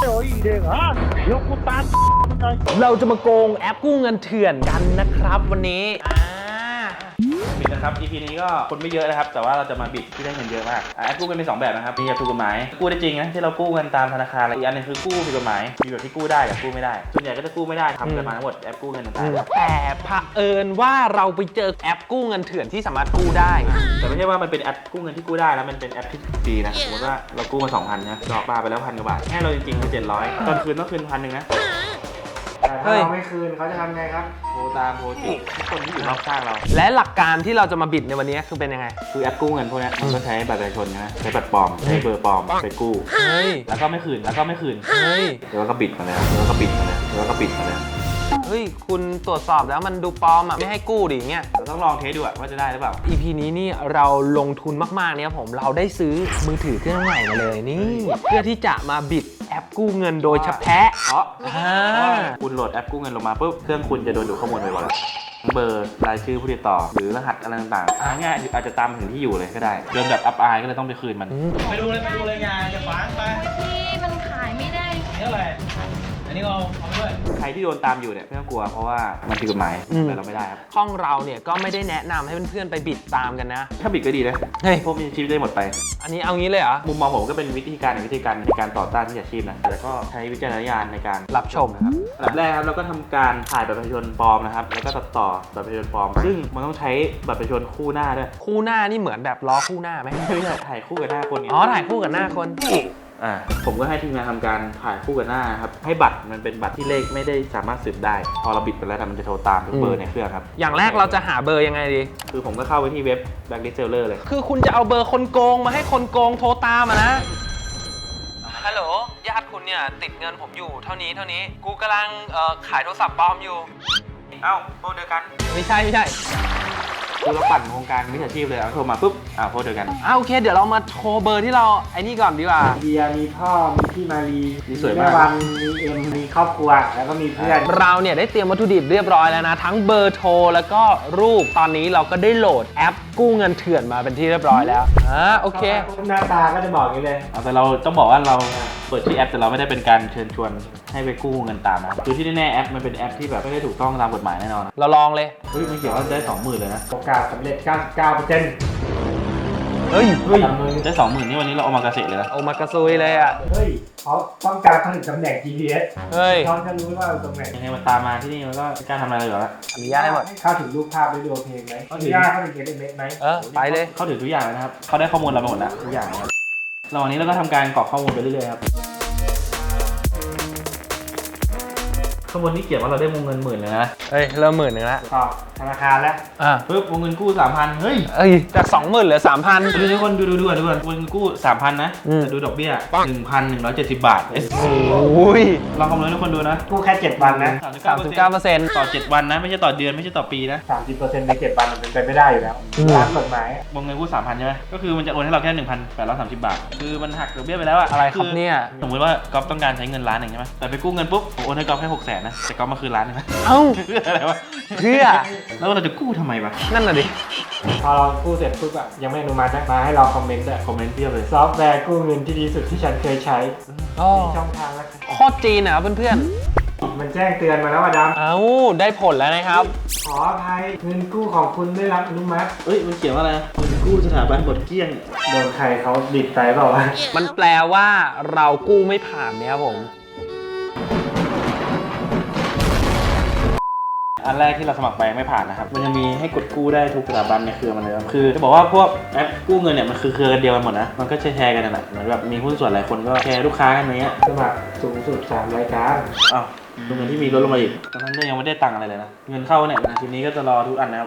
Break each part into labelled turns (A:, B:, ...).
A: เราจะมาโกงแอปกู้เงินเถื่อนกันนะครับวันนี้
B: บิดนะครับ EP นี้ก็คนไม่เยอะนะครับแต่ว่าเราจะมาบิดที่ได้เงินเยอะมากแอปกู้เงินมี2แบบนะครับมีแบบถูกกฎหมายกู้ได้จริงนะที่เรากู้เงินตามธนาคารและอีกอันนึงคือกู้ผิดกฎหมายมีแบบที่กู้ได้กับกู้ไม่ได้ส่วนใหญ่ก็จะกู้ไม่ได้ทำกันมาทั้งหมดแอปกู้เงินต่างๆ
A: แต่เผอิญว่าเราไปเจอแอปกู้เงินเถื่อนที่สามารถกู้ได้
B: แต่ไม่ใช่ว่ามันเป็นแอปกู้เงินที่กู้ได้แล้วมันเป็นแอปที่ฟรีนะสมมติว่าเรากู้มา 2,000นะดอกปลาไปแล้ว1,000 กว่าบาทให้เราจริงๆคือ700ตอนคืนต้องคืน1,000นะ
C: แต่ถ้าเราไม่คืนเขาจะทำไงครับ
B: โทรตามโทรจิกทุกคนที่อยู่รอบข้างเรา
A: และหลักการที่เราจะมาบิดในวันนี้คือเป็นยังไง
B: คือแอปกู้เงินพวกนี้มันก็ใช้บัตรประชาชนนะใช้บัตรปลอมใช้เบอร์ปลอมไปกู้แล้วก็ไม่คืนแล้วก็บิดมาแล้วก็บิดมาแล้ว
A: เฮ้ยคุณตรวจสอบแล้วมันดูปลอมอ่ะไม่ให้กู้ดิเงี้ย
B: เราต้องลองเทสดูว่าจะได้หรือเปล่า
A: EP นี้นี่เราลงทุนมากๆเนี่ยผมเราได้ซื้อมือถือเครื่องใหม่มาเลยนี่เพื่อที่จะมาบิดแอปกู้เงินโดยเฉพาะ
B: คุณโหลดแอปกู้เงินลงมาปุ๊บเครื่องคุณจะโดนดูดข้อมูลไปหมดเบอร์รายชื่อผู้ติดต่อหรือรหัสอะไรต่างๆง่ายอาจจะตามถึงที่อยู่เลยก็ได้เดินแบบอับอายก็เลยต้องไปคืนมันไปดูเลยงานจะฟังไป
D: ที่มันขายไม่ได้
B: นี่อะไรอันนี้เอาด้วยใครที่โดนตามอยู่เนี่ยไม่ต้องกลัวเพราะว่ามันผิดกฎหมายแต่เราไม่ได้ครับ
A: ห้องเราเนี่ยก็ไม่ได้แนะนำให้เพื่อนๆไปบิดตามกันนะ
B: ถ้าบิดก็ดีนะพวกมีชีวิตได้หมดไป
A: อันนี้เอางี้เลยเหรอ
B: มุมมองผมก็เป็นวิธีการในการต่อต้านมิจฉาชีพนะแต่ก็ใช้วิจารณญาณในการ
A: รับชม
B: นะครับอันดับแรกครับเราก็ทำการถ่ายบัตรประชาชนปลอมนะครับแล้วก็ตัดต่อบัตรประชาชนปลอมซึ่งมันต้องใช้บัตรประชาชนคู่หน้าด้วย
A: คู่หน้านี่เหมือนแบบล้อคู่หน้าไหม
B: ไม่ใช่ถ่ายคู่กับหน้าคน
A: ถ่ายคู่กับหน้าคน
B: ผมก็ให้ทีมงานทำการถ่ายคู่กับหน้าครับให้บัตรมันเป็นบัตรที่เลขไม่ได้สามารถสืบได้พอเราบิดไปแล้วมันจะโทรตามทุกเบอร์ในเครื่องครับ
A: อย่างแรกเราจะหาเบอร์ยังไงดี
B: คือผมก็เข้าไปที่เว็บ Blacklist Seller เลย
A: คือคุณจะเอาเบอร์คนโกงมาให้คนโกงโทรตามนะฮัลโหลญาติคุณเนี่ยติดเงินผมอยู่เท่านี้กูกำลังขายโทรศัพท์ปลอมอยู่
B: โทรเดียวกัน
A: ไม่ใช่
B: คือเราปั่นโครงการมิจฉาชีพเลยโทรมาปุ๊บโทรเดียวกัน
A: โอเคเดี๋ยวเรามาโทรเบอร์ที่เราไอ้นี่ก่อนดีกว่า
C: เดียมีพ่อมีพี่มารี
B: มีสวย
C: มากวันมีเอ็มมีครอบครัวแล้วก็มีเพื่อน
A: เราเนี่ยได้เตรียมวัตถุดิบเรียบร้อยแล้วนะทั้งเบอร์โทรแล้วก็รูปตอนนี้เราก็ได้โหลดแอปกู้เงินเถื่อนมาเป็นที่เรียบร้อยแล้วโอเค
C: หน้าตาก็จะบอกอย่างนี้เลย
B: แต่เราต้องบอกว่าเราเปิดที่แอปแต่เราไม่ได้เป็นการเชิญชวนให้ไปกู้เงินตามนะคือที่แน่ๆแอปมันเป็นแอปที่แบบไม่ได้ถูกต้องตามกฎหมายแน่นอน
A: เราลองเลย
B: มันเขียนว่าได้ 20,000 เลยนะ
C: โอกาสสำเร็จ 99%
A: เฮ้ย
B: ได้ 20,000 นี่วันนี้เราเอามากระเสเลยนะ
A: เอามากระซุยเลย
C: เฮ้ยเขาต้องการผลิตตำแหน่ง GPS เขาจะรู้ว่าตรงไหน
B: ยังไงมันตามมาที่นี่มันก็กล้าทำอะไรเลยเหรอ
A: อนุญาตให้หมด
C: เข้าถึงรูปภาพได้ดูเพลงไหมอนุญาตเข้าถึงSMSไหม
A: ไปเลย
B: เข้าถึงทุกอย่างเลยนะครับเขาได้ข้อมูลเราไปหมดแล้วทุกอย่างครับระหว่างนี้เราก็ทำการกรอกข้อมูลไปเรื่อยๆครับข้อมูลนี้เขียนว่าเราได้วงเงิน10,000เลยนะ
A: เริ่ม10,000แล้ว
C: ต่อธนาคารแล้ว
B: ปุ๊บวงเงินกู้ 3,000 เฮ้ย
A: จาก 20,000เหลือ 3,000
B: ดูทุกคนดูวงเงินกู้ 3,000 นะแต่ดูดอกเบี้ย 1,170 บาทลองคำนวณให้ทุกคนดูนะ
C: กู้แค่7 วันนะ
A: 39%
B: ต่อ7 วันนะไม่ใช่ต่อเดือนไม่ใช่ต่อปีนะ
C: 30% ใน7 วันมันเป็นไปไม่ได้อยู่แล้วตามกฎหมายว
B: งเงินกู้ 3,000 ใช่ไหมก็คือมันจะโอนให้เราแค่ 1,830 บาทคือมันหักดอกเบี้ยไปแล้ว
A: อะไรครับเนี่ย
B: สมมติว่าก๊อฟต้องการใช้เงิน1,000,000ใช่ไหมแต่ไปกู้เงินปุ๊บผมโอนให้ก๊อฟแค่600,000นะแต่ก๊อฟมาคืน1,000,000ใช่ไหมเพื่ออะไรวะ
A: เพื่อ
B: แล้วเราจะกู้ทำไมวะ
A: นั่นน่ะดิ
C: พอเรากู้เสร็จปุ๊บอะยังไม่อนุมัตินะมาให้เราคอมเมนต์
B: เพียบเลย
C: ซอฟต์แวร์กู้เงินที่ดีสุดที่ฉันเคยใช้มีช่องทางแล้ว
A: โคตรจีนนะเพื่อน
C: มันแจ้งเตือนมาแล้วว่าด
A: ำได้ผลแล้วนะครับ
C: ขออภัยเงินกู้ของคุณได้รับอนุมัติ
B: มันเขียนว่าอะไรเงินกู้สถาบันหมดเกลี้ยง
C: โดนใครเขาดิดไปเปล่าวะ
A: มันแปลว่าเรากู้ไม่ผ่านเนี่ยครับผม
B: อันแรกที่เราสมัครไปไม่ผ่านนะครับมันจะมีให้กดกู้ได้ทุกสถาบันในเครือมันเลยคือจะบอกว่าพวกแอปกู้เงินเนี่ยมันคือเครือกันเดียวกันหมดนะมันก็แชร์กันนะเหมือนแบบมีหุ้นส่วนหลายคนก็แชร์ลูกค้ากันเนี้ย
C: สมัครสูงสุด3 รายการ
B: ดูเงินที่มีลดลงมาอีกตอนนั้นก็ยังไม่ได้ตังค์อะไรเลยนะเงินเข้าเนี่ยทีนี้ก็จะรอทุกอันนะครับ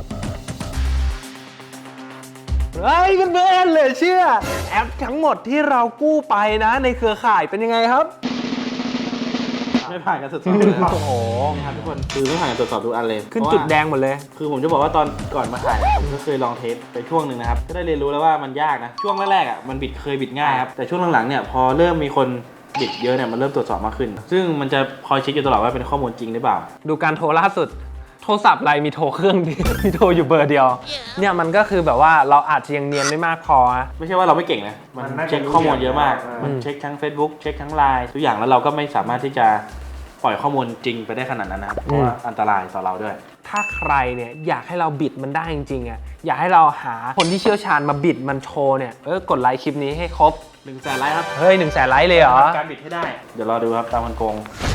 A: เพื่อนเลยเชื่อแอปทั้งหมดที่เรากู้ไปนะในเครือข่ายเป็นยังไงครับ
B: ไม่ผ่านการตรวจสอบเลยโอ้โหครับทุกคนคือไม่ผ่านการตรวจสอบทุกอันเลย
A: ขึ้นจุดแดงหมดเลย
B: คือผมจะบอกว่าตอนก่อนมาถ่ายผมก็เคยลองเทสไปช่วงหนึ่งนะครับก็ได้เรียนรู้แล้วว่ามันยากนะช่วงแรกๆมันเคยบิดง่ายครับแต่ช่วงหลังๆเนี่ยพอเริ่มมีคนบิดเยอะเนี่ยมันเริ่มตรวจสอบมากขึ้นซึ่งมันจะคอยเช็คอยู่ตลอดว่าเป็นข้อมูลจริงหรือเปล่า
A: ดูการโทรล่าสุดโทรศัพท์อะไรมีโทรเครื่องเดียว มีโทรอยู่เบอร์เดียว เนี่ยมันก็คือแบบว่าเราอาจจะยังเนียนไม่มากพอนะ
B: ไม่ใช่ว่าเราไม่เก่งนะ มันเช็คข้อมูลเยอะมาก มันเช็คทั้ง Facebook เช็คทั้ง Line ทุกอย่างแล้วเราก็ไม่สามารถที่จะปล่อยข้อมูลจริงไปได้ขนาดนั้นนะครับ เพราะว่าอันตรายต่อเราด้วย
A: ถ้าใครเนี่ยอยากให้เราบิดมันได้จริงๆอ่ะอยากให้เราหาคนที่เชี่ยวชาญมาบิดมันโชว์เนี่ยกดไลค์คลิปนี้ให้ครบ
B: 100,000 ไลค์ครับ
A: เฮ้ย100,000 ไลค์เลยเหรอ
B: การบิดให้ได้ เดี๋ยวรอดูครับตามคนโกง